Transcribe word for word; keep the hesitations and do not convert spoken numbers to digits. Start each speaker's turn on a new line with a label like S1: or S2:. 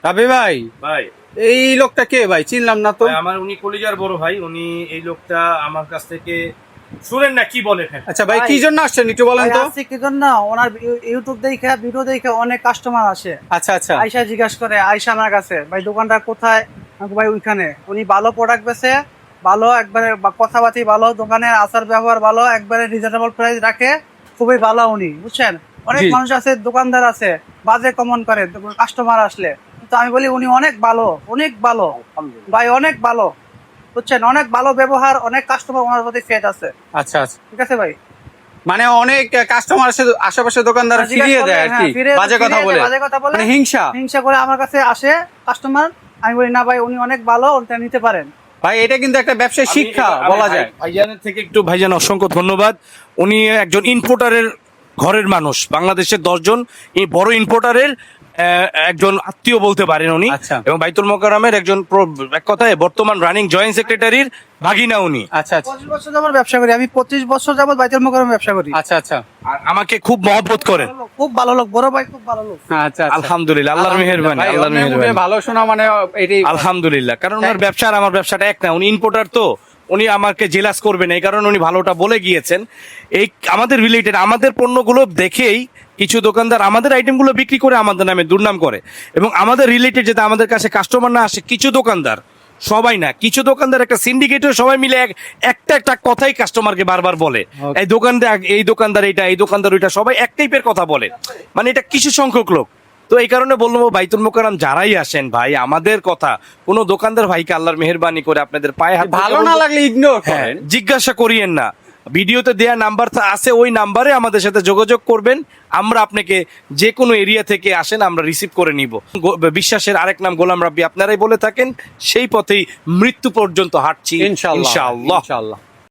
S1: রাবি ভাই,
S2: ভাই
S1: এই লোকটা কে ভাই? চিনলাম না তো।
S2: ভাই, আমার উনি কলিজার বড় ভাই। উনি এই লোকটা আমার কাছ থেকে শুনেন না কি বলে। হ্যাঁ
S1: আচ্ছা ভাই,
S3: ভাই,
S1: কি জন্য আসছেন একটু বলেন
S3: ভাই
S1: তো।
S3: আসছে কি জন্য? ওনার ইউ- ইউটিউব দেখে ভিডিও দেখে অনেক কাস্টমার আসে।
S1: আচ্ছা আচ্ছা
S3: আয়সা জিজ্ঞাসা করে, আয়সা আমার কাছে, ভাই দোকানটা কোথায়? আমি বলি, ভাই ওইখানে। উনি ভালো প্রোডাক্ট বেচে, ভালো একবারে বা- কথাবার্তি ভালো, দোকানের আচার ব্যবহার ভালো, একবারে রিজনেবল প্রাইস রাখে, খুবই ভালো উনি, বুঝছেন। অনেক
S1: জি।
S3: মানুষ আছে, দোকানদার আছে, বাজে কমন করে কাস্টমার আসলে, তো আমি বলি উনি অনেক ভালো, অনেক ভালো ভাই, অনেক ভালো, বুঝছেন। অনেক ভালো ব্যবহার, অনেক কাস্টমার ওনার প্রতি ফেট আছে।
S1: আচ্ছা আচ্ছা,
S3: ঠিক আছে ভাই,
S1: মানে অনেক কাস্টমার আসে, আশেপাশে দোকানদার
S3: হ্যাঁ, জিজ্ঞাসা
S1: ফিরিয়ে
S3: করলে,
S1: দেয় আর
S3: হ্যাঁ,
S1: কি,
S3: ফিরিয়ে-
S1: বাজে কথা
S3: ফিরিয়ে
S1: বলে,
S3: দেয়, বাজে কথা বলে,
S1: মানে হিংসা।
S3: হিংসা করে আমার কাছে আসে কাস্টমার। আমি বলি না ভাই, উনি অনেক ভালো, ওটা নিতে পারেন।
S1: ভাই এটা কিন্তু একটা ব্যবসায়
S2: আমি
S1: শিক্ষা
S2: এটা- আমি
S1: বলা
S2: ভাই-
S1: যায়।
S2: ভাইজানের থেকে একটু ভাইজান অসংখ্য ধন্যবাদ। উনি একজন ইম্পোর্টারের ঘরের মানুষ, বাংলাদেশের দশজন এই বড় ইম্পোর্টারের আহ, একজন আত্মীয় বলতে পারেন উনি।
S1: আচ্ছা।
S2: এবং বাইতুল মোকাররমের একজন প্র- এক কথায় বর্তমান রানিং জয়েন্ট সেক্রেটারির ভাগিনা উনি।
S1: আচ্ছা আচ্ছা
S3: পঁচিশ বছর যাবত ব্যবসা করি আমি, পঁচিশ বছর যাবত বাইতুল মোকাররমে ব্যবসা করি।
S1: আচ্ছা আচ্ছা
S2: আর আমাকে খুব মহব্বত করেন।
S3: খুব ভালো লোক, বড় ভাই, খুব ভালো লোক।
S1: আচ্ছা আচ্ছা।
S2: আলহামদুলিল্লাহ, আল্লাহর মেহেরবানি,
S1: ভাই,
S2: আল্লাহর
S1: অন্যের মুখে
S2: মেহেরবানি।
S1: ভালো শোনা মানে এটাই।
S2: আলহামদুলিল্লাহ, কারণ ওনার ব্যবসা আর আমার ব্যবসাটা এক না। উনি ইম্পোর্টার, তো উনি আমাকে জেলাস করবেন, এই কারণে উনি ভালোটা বলে গিয়েছেন। এই আমাদের রিলেটেড আমাদের পণ্যগুলো দেখেই কিছু দোকানদার আমাদের আইটেমগুলো বিক্রি করে আমাদের নামে দুর্নাম করে। এবং আমাদের রিলেটেড যাতে আমাদের কাছে কাস্টমার না আসে, কিছু দোকানদার, সবাই না, কিছু দোকানদার একটা সিন্ডিকেটও সবাই মিলে এক একটা একটা কথাই কাস্টমারকে বারবার বলে,
S1: Okay.
S2: এই দোকানদার এই দোকানদার এটা, এই দোকানদার ওইটা, সবাই এক টাইপের কথা বলে। মানে এটা কিছু সংখ্যক লোক। তো এই কারণে বলবো, বাইতুল মোকাররম যারাই আসেন ভাই, আমাদের কথা কোনো দোকানদার ভাইকে আল্লাহর মেহেরবানি করে আপনাদের পায়ে হাত
S1: ভালো
S2: রেখে
S1: না
S2: বলবো,
S1: লাগলে ইগনোর
S2: হ্যাঁ,
S1: করেন।
S2: জিজ্ঞাসা করিয়েন না। ভিডিওতে দেয়া নাম্বার আছে, ওই নাম্বারে আমাদের সাথে যোগাযোগ করবেন। আমরা আপনাকে যে কোনো এরিয়া থেকে আসেন, আমরা রিসিভ করে নিব। গো- বিশ্বাসের আরেক নাম গোলাম রাব্বি, আপনারাই বলে থাকেন, সেই পথেই মৃত্যু পর্যন্ত হাঁটছি
S1: ইনশাআল্লাহ
S2: ইনশাআল্লাহ।
S1: ইনশাআল্লাহ।